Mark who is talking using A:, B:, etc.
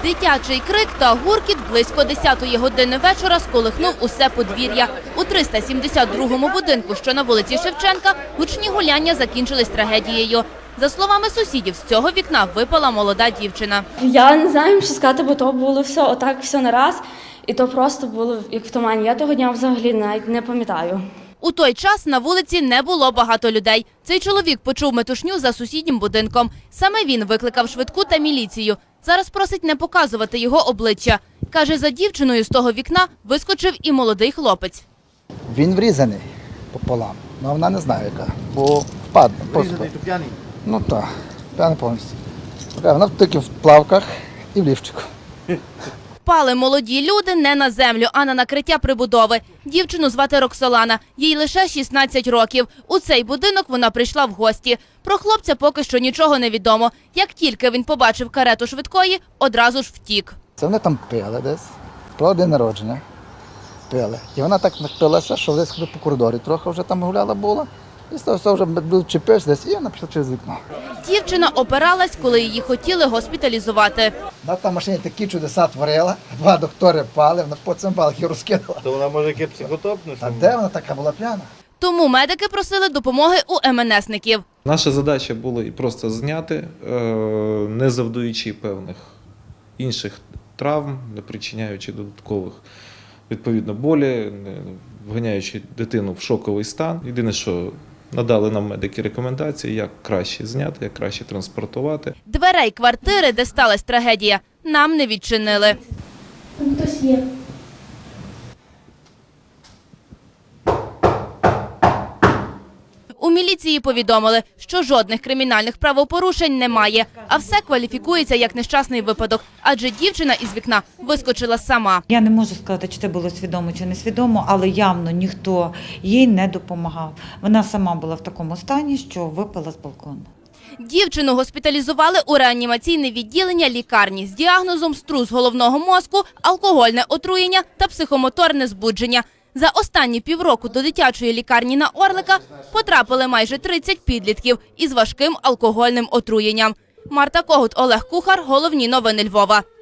A: Дитячий крик та гуркіт близько 10-ї години вечора сколихнув усе подвір'я. У 372-му будинку, що на вулиці Шевченка, гучні гуляння закінчились трагедією. За словами сусідів, з цього вікна випала молода дівчина.
B: Я не знаю, що сказати, бо то було все на раз. І то просто було як в тумані. Я того дня взагалі навіть не пам'ятаю.
A: У той час на вулиці не було багато людей. Цей чоловік почув метушню за сусіднім будинком. Саме він викликав швидку та міліцію. Зараз просить не показувати його обличчя. Каже, за дівчиною з того вікна вискочив і молодий хлопець.
C: Він врізаний пополам, але вона не знає яка, бо впадла.
D: Врізаний, то п'яний?
C: Ну так, п'яний повністю. Вона тільки в плавках і в лівчику.
A: Впали молоді люди не на землю, а на накриття прибудови. Дівчину звати Роксолана, їй лише 16 років. У цей будинок вона прийшла в гості. Про хлопця поки що нічого не відомо. Як тільки він побачив карету швидкої, одразу ж втік.
C: Це вони там пили десь, про день народження пили. І вона так напилася, що десь по коридорі трохи вже там гуляла була. І з того все вже чіпився десь, і вона пішла через вікно.
A: Дівчина опиралась, коли її хотіли госпіталізувати.
C: Вона там в машині такі чудеса творила, 2 доктори пали, вона по цимбалах її розкинула.
D: То вона може яке психотопне?
C: А де вона така була п'яна?
A: Тому медики просили допомоги у МНСників.
E: Наша задача була і просто зняти, не завдаючи певних інших травм, не причиняючи додаткових відповідно болі, не вганяючи дитину в шоковий стан. Єдине, що надали нам медики рекомендації, як краще зняти, як краще транспортувати.
A: Дверей квартири, де сталася трагедія, нам не відчинили.
B: Там хтось є.
A: У міліції повідомили, що жодних кримінальних правопорушень немає, а все кваліфікується як нещасний випадок, адже дівчина із вікна вискочила сама.
F: Я не можу сказати, чи це було свідомо чи не свідомо, але явно ніхто їй не допомагав. Вона сама була в такому стані, що випала з балкону.
A: Дівчину госпіталізували у реанімаційне відділення лікарні з діагнозом струс головного мозку, алкогольне отруєння та психомоторне збудження. За останні півроку до дитячої лікарні на Орлика потрапили майже 30 підлітків із важким алкогольним отруєнням. Марта Когут, Олег Кухар. Головні новини Львова.